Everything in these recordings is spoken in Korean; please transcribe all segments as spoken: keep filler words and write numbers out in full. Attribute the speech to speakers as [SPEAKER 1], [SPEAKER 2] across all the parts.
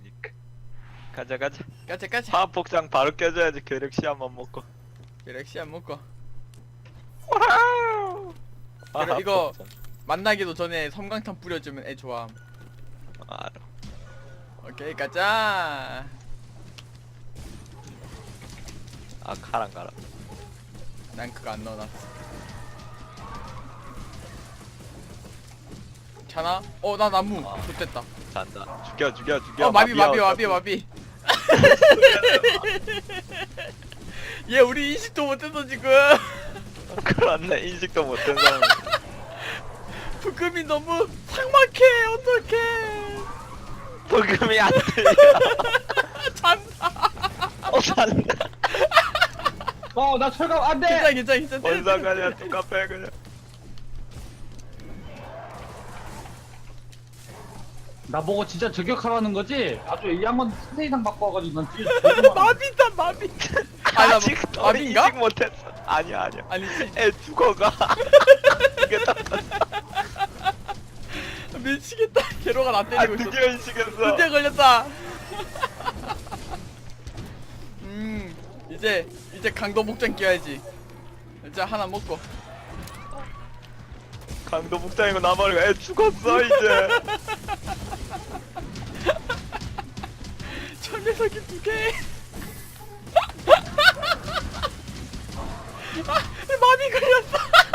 [SPEAKER 1] 되니까. 가자 가자.
[SPEAKER 2] 가자 가자.
[SPEAKER 1] 화학 복장 바로 껴줘야지. 괴력 시한번 먹고.
[SPEAKER 2] 갤럭시 안 먹고.
[SPEAKER 1] 와우.
[SPEAKER 2] 그래, 이거 만나기도 전에 섬광탄 뿌려주면 애 좋아.
[SPEAKER 1] 알아.
[SPEAKER 2] 오케이 가자.
[SPEAKER 1] 아 가랑 가라.
[SPEAKER 2] 난 그거 안 넣어놨어. 자나? 어 나 나무.
[SPEAKER 1] 아.
[SPEAKER 2] 좋됐다.
[SPEAKER 1] 잔다. 죽여 죽여 죽여.
[SPEAKER 2] 어 마비 마비
[SPEAKER 1] 마비야,
[SPEAKER 2] 마비
[SPEAKER 1] 어차피.
[SPEAKER 2] 마비. 얘 우리 인식도 못해서 지금.
[SPEAKER 1] 그렇네. 인식도 못한 사람.
[SPEAKER 2] 부금이 너무 삭막해. 어떡해.
[SPEAKER 1] 도금이 안 들려.
[SPEAKER 2] 잔다.
[SPEAKER 1] 어 잔다.
[SPEAKER 3] 어, 나 철갑 안 돼!
[SPEAKER 2] 괜찮아 괜찮아 괜찮아.
[SPEAKER 1] 뭔 상관이야. 똑같아 그냥.
[SPEAKER 3] 나보고 진짜 저격하라는 거지? 아주 이 양반 세대 이상 바꿔 와가지고 난 진짜
[SPEAKER 2] 마비다 마비. 아, 나
[SPEAKER 1] 아직
[SPEAKER 2] 마-
[SPEAKER 1] 너는
[SPEAKER 2] 마비인가?
[SPEAKER 1] 인식 못했어. 아니야 아니야.
[SPEAKER 2] 아니지.
[SPEAKER 1] 애 죽어가. 이게 딱.
[SPEAKER 2] 미치겠다. 게로가 나
[SPEAKER 1] 아
[SPEAKER 2] 때리고 있어.
[SPEAKER 1] 드디어 인식했어.
[SPEAKER 2] 드디어 걸렸다. 음 이제 이제 강도 목장 끼워야지. 이제 하나 먹고.
[SPEAKER 1] 강도 복장이고 나발이고 애 죽었어 이제.
[SPEAKER 2] 철매석이 두 개. 아, 마비 걸렸어.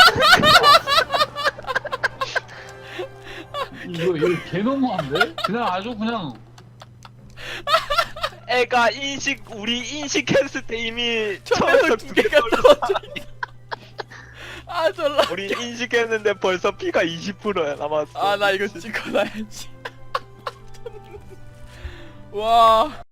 [SPEAKER 3] 이거 이거 개너무한데? 그냥 아주 그냥
[SPEAKER 1] 애가 인식 우리 인식했을 때 이미
[SPEAKER 2] 철매석
[SPEAKER 1] 처음부터
[SPEAKER 2] 두
[SPEAKER 1] 두개
[SPEAKER 2] 개가
[SPEAKER 1] 걸렸어.
[SPEAKER 2] 떨어져. 아 졸라.
[SPEAKER 1] 우리 인식했는데 벌써 피가 이십 퍼센트야 남았어.
[SPEAKER 2] 아 나 이거 찍어놔야지. 와.